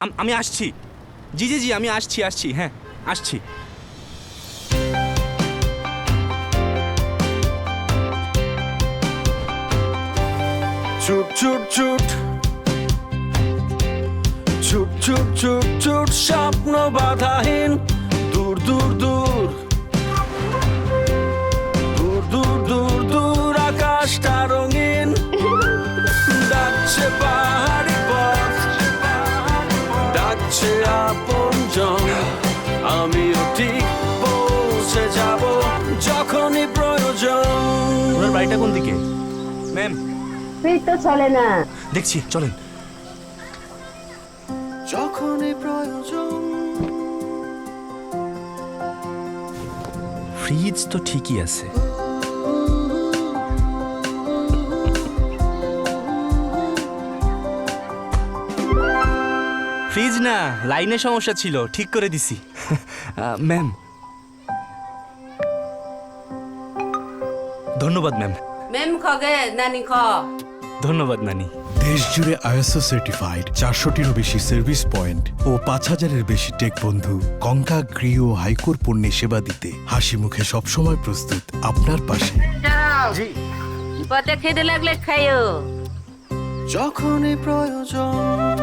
আমি আসছি। জি জি জি আমি আসছি হ্যাঁ আসছি। ছুট ছুট ছুট ছুট ছুট ছুট ছুট স্বপ্ন বাধাহীন দূর দূর দূর দূর দূর দূর দূর আকাশটা রঙিন ডাকছে পাহাড়ি পথ ডাকছে আপনজন আমিও ঠিক পৌঁছে যাব যখনই প্রয়োজন। ওনার বাড়িটা কোন দিকে ম্যাম? ফ্রিজ তো চলে না। দেখছি চলেন। যখনই প্রয়োজন। ফ্রিজ তো ঠিকই আছে। ফ্রিজ না, লাইনের সমস্যা ছিল, ঠিক করে দিছি। ম্যাম ধন্যবাদ ম্যাম। মেম খগে নানি খ। ধন্যবাদ নানি। দেশ জুড়ে আইএসও সার্টিফাইড 400টিরও বেশি সার্ভিস পয়েন্ট ও 5000-এর বেশি টেক বন্ধু কঙ্কা গৃহ ও হাইকোর পণ্যে সেবা দিতে হাসি মুখে সবসময় প্রস্তুত আপনার পাশে। জি পথে খেতে লাগলে খাইও। যখনই প্রয়োজন।